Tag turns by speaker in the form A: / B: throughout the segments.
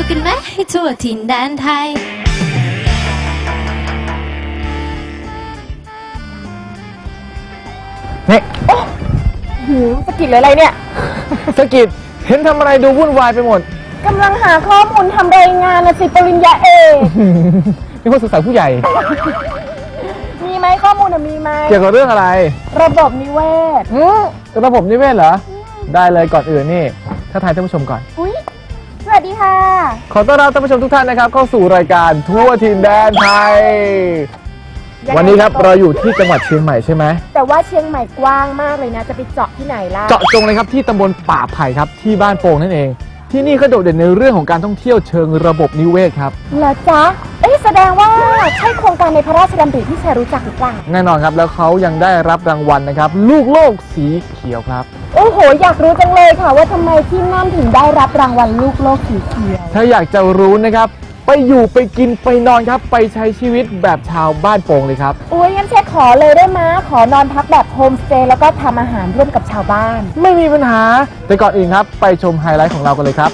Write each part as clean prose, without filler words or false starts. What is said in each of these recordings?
A: กันไหมให้ทั่วถิ่นแดนไทย
B: เนี่ย
C: สกิดอะไรเนี่ย
B: สกิดเห็นทำอะไรดูวุ่นวายไปหมด
C: กำลังหาข้อมูลทำรายงานนะสิปริญญาเอก
B: นี่คนศึกษาผู้ใหญ่
C: มีไหมข้อมูลมีไหม
B: เกี่ยวกับเรื่องอะไร
C: ระบบนิเวศ
B: ระบบนิเวศเหรอได้เลยก่อนอื่นนี่ถ้าทายท่านผู้ชมก่อน
C: อุ๊ยสวัสดีค่ะ
B: ขอต้อนรับท่านผู้ชมทุกท่านนะครับเข้าสู่รายการทั่วถิ่นแดนไทยวันนี้ครับเราอยู่ที่จังหวัดเชียงใหม่ใช่ไหม
C: แต่ว่าเชียงใหม่กว้างมากเลยนะจะไปเจาะที่ไหนล่ะ
B: เจาะจงเลยครับที่ตำบลป่าไผ่ครับที่บ้านโป่งนั่นเองที่นี่ก็โดดเด่นในเรื่องของการท่องเที่ยวเชิงระบบนิเวศครับ
C: เหรอจ๊ะแสดงว่าใช่โครงการในพระราชดำริที่แชร์รู้จักหรือเปล่า
B: แน่นอนครับแล้วเขายังได้รับรางวัลนะครับลูกโลกสีเขียวครับ
C: โอ้โหอยากรู้จังเลยค่ะว่าทำไมที่นั่นถึงได้รับรางวัลลูกโลกสีเขียว
B: ถ้าอยากจะรู้นะครับไปอยู่ไปกินไปนอนครับไปใช้ชีวิตแบบชาวบ้านโป่งเลยครับ
C: อุ้ยงั้นแช่ขอเลยได้ไหมขอนอนพักแบบโฮมสเตย์แล้วก็ทำอาหารร่วมกับชาวบ้าน
B: ไม่มีปัญหาแต่ก่อนอื่นครับไปชมไฮไลท์ของเรากันเลยครับ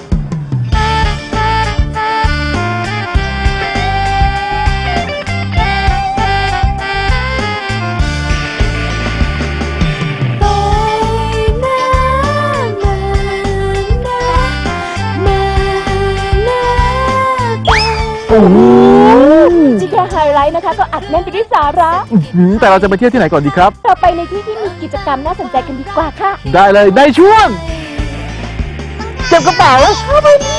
C: ที่แค่ไฮไลท์นะคะก็อัดแน่นไปด้วยสาระ
B: แต่เราจะไปเที่ยวที่ไหนก่อนดีครับ
C: เราไปในที่ที่มีกิจกรรมน่าสนใจกันดีกว่าค่ะ
B: ได้เลยในช่วงเก็บกระเป๋าเข้าไปดิ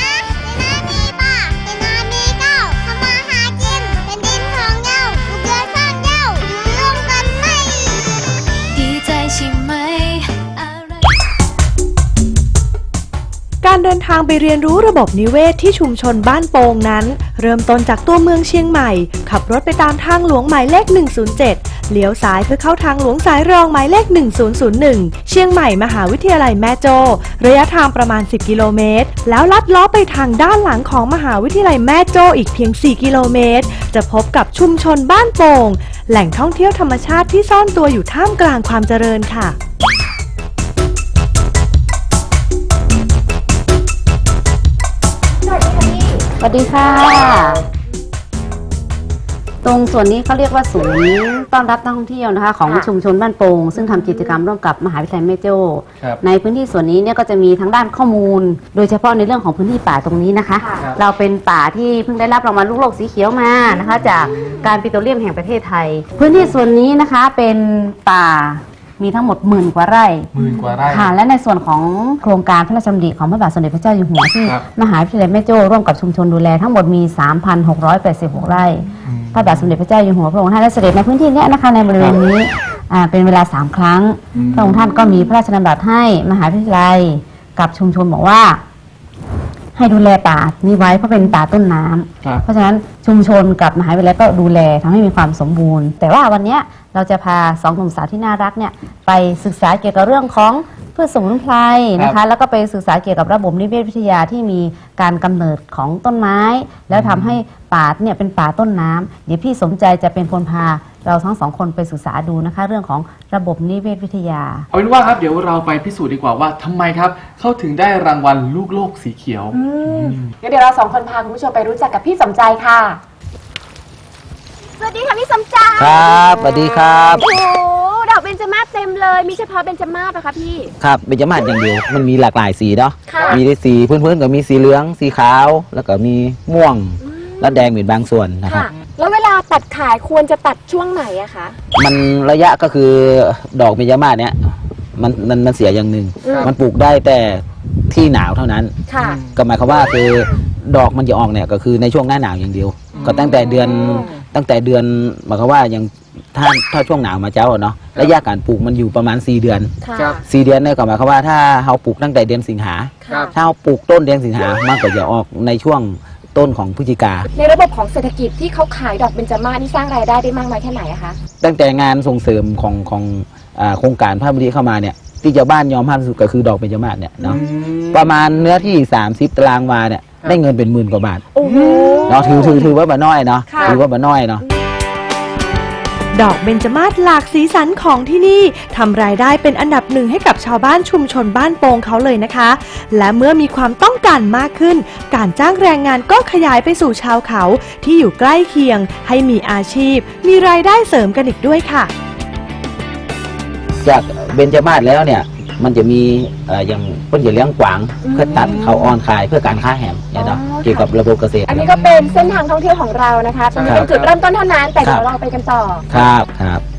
D: การเดินทางไปเรียนรู้ระบบนิเวศที่ชุมชนบ้านโป่งนั้นเริ่มต้นจากตัวเมืองเชียงใหม่ขับรถไปตามทางหลวงหมายเลข 107 เลี้ยวซ้ายเพื่อเข้าทางหลวงสายรองหมายเลข 1001 เชียงใหม่มหาวิทยาลัยแม่โจ้ระยะทางประมาณ 10 กิโลเมตรแล้วลัดล้อไปทางด้านหลังของมหาวิทยาลัยแม่โจ้อีกเพียง 4 กิโลเมตรจะพบกับชุมชนบ้านโป่งแหล่งท่องเที่ยวธรรมชาติที่ซ่อนตัวอยู่ท่ามกลางความเจริญค่ะ
E: สวัสดีค่ะตรงส่วนนี้เขาเรียกว่าศูนย์ต้อนรับนักท่องเที่ยวนะคะของชุมชนบ้านโป่งซึ่งทำกิจกรรมร่วมกับมหาวิทยาลัยแม่โจ้ในพื้นที่ส่วนนี้เนี่ยก็จะมีทั้งด้านข้อมูลโดยเฉพาะในเรื่องของพื้นที่ป่าตรงนี้นะคะเราเป็นป่าที่เพิ่งได้รับรางวัลลูกโลกสีเขียวมานะคะจากการปิโตรเลียมแห่งประเทศไทยพื้นที่ส่วนนี้นะคะเป็นป่ามีทั้งหมด10,000 กว่าไร่ค่ะและในส่วนของโครงการพระราชดำริของพระบาทสมเด็จพระเจ้าอยู่หัวที่มหาวิทยาลัยแม่โจ้ร่วมกับชุมชนดูแลทั้งหมดมี 3,686 ไร่พระบาทสมเด็จพระเจ้าอยู่หัวพระองค์ท่านได้เสด็จในพื้นที่นี้นะคะในบริเวณนี้เป็นเวลา3 ครั้งพระองค์ท่านก็มีพระราชดำรัสให้มหาวิทยาลัยกับชุมชนบอกว่าให้ดูแลป่านี้ไว้เพราะเป็นป่าต้นน้ำเพราะฉะนั้นชุมชนกับมหาวิทยาลัยก็ดูแลทำให้มีความสมบูรณ์แต่ว่าวันนี้เราจะพา2 หนุ่มสาวที่น่ารักเนี่ยไปศึกษาเกี่ยวกับเรื่องของพืชสมุนไพรนะคะแล้วก็ไปศึกษาเกี่ยวกับระบบนิเวศวิทยาที่มีการกำเนิดของต้นไม้แล้วทำให้ป่าเนี่ยเป็นป่าต้นน้ำเดี๋ยวพี่สมใจจะเป็นคนพาเราทั้ง2 คนไปศึกษาดูนะคะเรื่องของระบบนิเวศวิทยา
B: เอาเป็นว่าครับเดี๋ยวเราไปพิสูจน์ดีกว่าว่าทำไมครับเขาถึงได้รางวัลลูกโลกสีเขียว
C: เดี๋ยวเรา2 คนพาคุณผู้ชมไปรู้จักกับพี่สมใจค่ะสวัสดีค่ะพี่สมใจ
F: ครับสวัสดีครับ
C: โอ้ดอกเบญจมาศเต็มเลยมีเฉพาะเบญจมาศนะคะพี่
F: ครับเบญจมาศอย่างเดียวมันมีหลากหลายสีเนาะมีได้สีพื้นๆก็มีสีเหลืองสีขาวแล้วก็มีม่วงและแดงเป็นบางส่วนนะครับ
C: แล้วเวลาตัดขายควรจะตัดช่วงไหนอะคะ
F: มันระยะก็คือดอกเบญจมาศเนี่ยมันเสียอย่างหนึ่งมันปลูกได้แต่ที่หนาวเท่านั้นก็หมายความว่าคือดอกมันจะออกเนี่ยก็คือในช่วงหน้าหนาวอย่างเดียวก็ตั้งแต่เดือนหมายความว่ายังถ้าช่วงหนาวมาเจ้าเนาะระยะการปลูกมันอยู่ประมาณ4 เดือน4 เดือนเนี่ยก็หมายความว่าถ้าเราปลูกตั้งแต่เดือนสิงหาถ้าเราปลูกต้นเดือนสิงหามันก็จะออกในช่วงต้นของพฤศจิกา
C: ในระบบของเศรษฐกิจที่เขาขายดอกเบญจมาศนี่สร้างรายได้มากน้อยแค่ไหนอะคะ
F: ตั้งแต่งานส่งเสริมของโครงการพระบดีเข้ามาเนี่ยที่ชาวบ้านยอมให้สุดก็คือดอกเบญจมาศเนี่ยเนาะประมาณเนื้อที่30 ตารางวาเนี่ยได้เงินเป็น10,000 กว่าบาทเนาะถือว่าบ่น้อยเนาะถือว่าบ่น้อยเนาะ
D: ดอกเบญจมาศหลากสีสันของที่นี่ทำรายได้เป็นอันดับหนึ่งให้กับชาวบ้านชุมชนบ้านโป่งเขาเลยนะคะ และเมื่อมีความต้องการมากขึ้น การจ้างแรงงานก็ขยายไปสู่ชาวเขาที่อยู่ใกล้เคียงให้มีอาชีพมีรายได้เสริมกันอีกด้วยค่ะ
F: จากเบญจมาศแล้วเนี่ยมันจะมีอย่างเพิ่นจะเลี้ยงกวางเพื่อตัดเขาออนขายเพื่อการค้าแหมเนี่ยเนาะเกี่ยวกับระบบเกษตร
C: อันนี้ก็เป็นเส้นทางท่องเที่ยวของเรานะคะตรงนี้เป็นจุดเริ่มต้นเท่านั้นแต่เดี๋ยวเราไปกันต่อ
F: ครับ